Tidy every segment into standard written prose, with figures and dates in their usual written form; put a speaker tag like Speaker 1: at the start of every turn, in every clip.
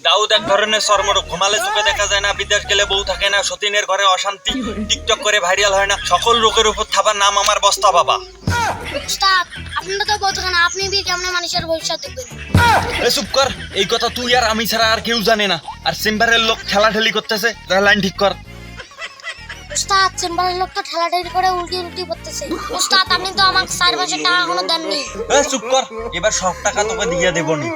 Speaker 1: দাউদ এক ধরনের চর্মরোগ, ঘুমালে চোখে দেখা যায় না, বিদেশ গেলে বউ থাকে না, সতীনের ঘরে অশান্তি, টিকটক করে ভাইরাল হয় না, সকল রোগের উপর থাবার নাম আমার বস্তা বাবা।
Speaker 2: উস্তাদ আপনারা তো বলতে না, আপনি বি কেমন মানুষের ভবিষ্যৎ দেখবেন।
Speaker 1: চুপ কর, এই কথা তুই আর আমি ছাড়া আর কেউ জানে না। আর চেম্বারের লোক ঠেলাঠেলি করতেছে, লাইন ঠিক কর।
Speaker 2: উস্তাদ চেম্বারের লোক তো ঠেলাঠেলি করে উল্টি করতেছে। উস্তাদ আপনি তো আমাকে 4 মাসের টাকা এখনো দেননি।
Speaker 1: চুপ কর, এবার সব টাকা তোকে দিয়ে দেবো নি।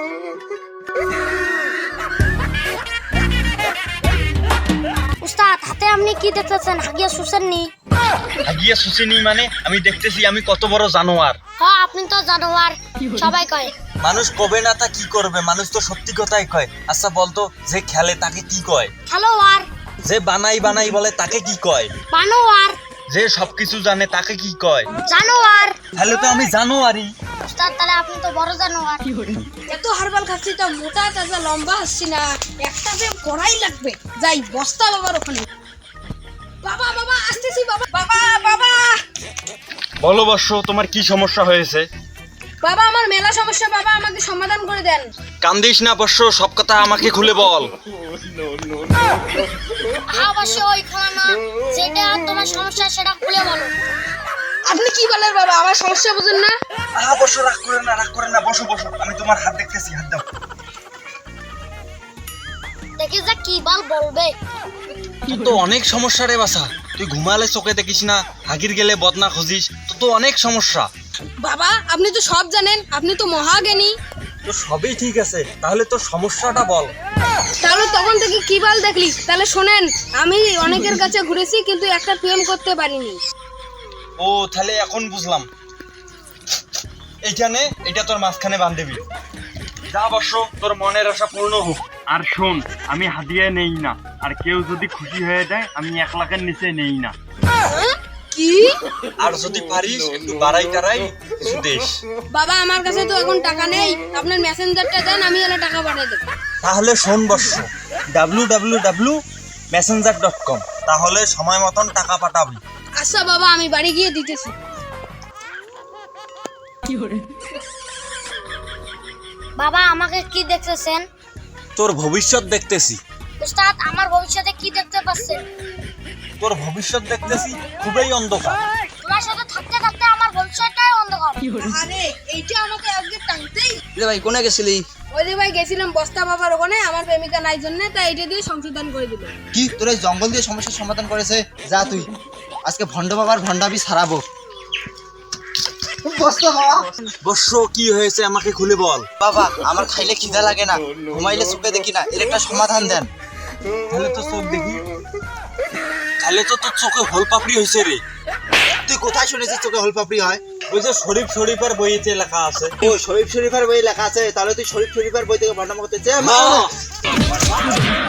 Speaker 2: উস্তাদ হাতে আপনি কি দেখতেছেন? হাগিয়া শুষেননি?
Speaker 1: হাগিয়া শুষিনি মানে? আমি দেখতেছি আমি কত বড় জানোয়ার।
Speaker 2: হ্যাঁ আপনি তো জানোয়ার, সবাই কয়।
Speaker 1: মানুষ কবে না তা কি করবে, মানুষ তো সত্যি কথাই কয়। আচ্ছা বলতো, যে খেলে তাকে কি কয়?
Speaker 2: খেলোয়াড়।
Speaker 1: যে বানাই বলে তাকে কি কয়?
Speaker 2: বানোয়ার।
Speaker 1: যে সবকিছু জানে তাকে কি কয়?
Speaker 2: জানোয়ার।
Speaker 1: তাহলে তো আমি জানোয়ারই।
Speaker 2: উস্তাদ তাহলে আপনি তো বড় জানোয়ার।
Speaker 3: এত হারবাল খাচ্ছি তো মোটা তাজা লম্বা হচ্ছি না, একটা যে করাই লাগবে। যাই বস্তা বাবার ওখানে। বাবা বাবা আসতেছি বাবা বাবা বাবা
Speaker 1: বলো বর্ষ, তোমার কি সমস্যা হয়েছে?
Speaker 3: বাবা আমার মেলা সমস্যা, বাবা আমাকে সমাধান করে দেন।
Speaker 1: কান্দিস না বর্ষ, সব কথা আমাকে খুলে বল।
Speaker 2: অবশ্যই ওইখানে না, যেটা তোমার সমস্যা সেটা খুলে বলো।
Speaker 3: আপনি কি বলেন বাবা, আমার সমস্যা বুঝুন না।
Speaker 1: বর্ষ রাগ করে না, বসো, আমি তোমার হাত দেখতেছি, হাত দাও।
Speaker 2: দেখি যা কি বলবে।
Speaker 1: তোর তো অনেক সমস্যা রে বাসা। তুই ঘুমালে চোখে দেখিস না, হাগির গেলে বদনা খুঁজিস, তোর তো অনেক সমস্যা।
Speaker 3: বাবা আপনি তো সব জানেন, আপনি তো মহাজ্ঞানী।
Speaker 1: তো সবই ঠিক আছে, তাহলে তোর সমস্যাটা বল।
Speaker 3: তাহলে তখন থেকে কি বাল দেখলি? তাহলে শোনেন, আমি অনেকের কাছে ঘুরেছি কিন্তু একটা প্রেম করতে পারিনি।
Speaker 1: ও তাহলে এখন বুঝলাম। এইখানে এটা তোর মাঝখানে বান্ধবী। যা বর্ষ, তোর মনের আশা পূর্ণ হোক। আর শোন, আমি হাদিয়া নেই না, আর কেউ যদি খুশি হয়ে যায় আমি 1 লাখের নিচে নেই না।
Speaker 3: কি?
Speaker 1: আর যদি পারিস একটু বাড়াই টারাই কিছু দেশ।
Speaker 3: বাবা আমার কাছে তো এখন টাকা নেই, আপনার মেসেঞ্জারটা দেন, আমি এলে টাকা পাঠিয়ে দেবো।
Speaker 1: তাহলে শোন বর্ষ, www.messenger.com, তাহলে সময় মতন টাকা পাঠাবি।
Speaker 3: আচ্ছা বাবা আমি বাড়ি গিয়ে দিতেছি।
Speaker 2: বাবা আমাকে কি দেখতেছেন?
Speaker 1: তোর ভবিষ্যৎ দেখতেছি।
Speaker 2: উস্তাদ আমার ভবিষ্যতে কি দেখতে পাচ্ছেন?
Speaker 1: তোর ভবিষ্যৎ দেখতেছি খুবই অন্ধকার।
Speaker 2: তোমার সাথে থাকতে থাকতে আমার ভবিষ্যৎটাই অন্ধকার।
Speaker 3: আরে এইটা আমাকে আজকে টানতেই।
Speaker 4: রে ভাই কোনে গেছিলি?
Speaker 3: ওই যে ভাই গেছিলাম বস্তা বাবার ওখানে, আমার প্রেমিকা নাই জন্য, তাই এটা দিয়ে সংশোধন করে দিল।
Speaker 4: কি তোর এই জঙ্গল দিয়ে সমস্যার সমাধান করেছে? যা তুই আজকে ভণ্ড বাবার ভণ্ডাবি ছাড়াবো। বস্তা বাবা।
Speaker 1: বর্ষ কি হয়েছে আমাকে খুলে বল।
Speaker 4: বাবা আমার খাইলে খিদা লাগে না, ঘুমাইলে চোখে দেখি না, এর একটা সমাধান দেন।
Speaker 1: তাহলে তো চোখ দেখি, তাহলে তো তোর চোখে হোল পাপড়ি হয়েছে রে।
Speaker 4: তুই কোথায় শুনেছিস চোখে হলপাপড়ি হয়?
Speaker 1: ওই যে শরীফের বইতে লেখা আছে।
Speaker 4: ও শরীফ শরীফের বই লেখা আছে, তাহলে তুই শরীফ শরীফের বই থেকে ভণ্ডামি করতে চাস?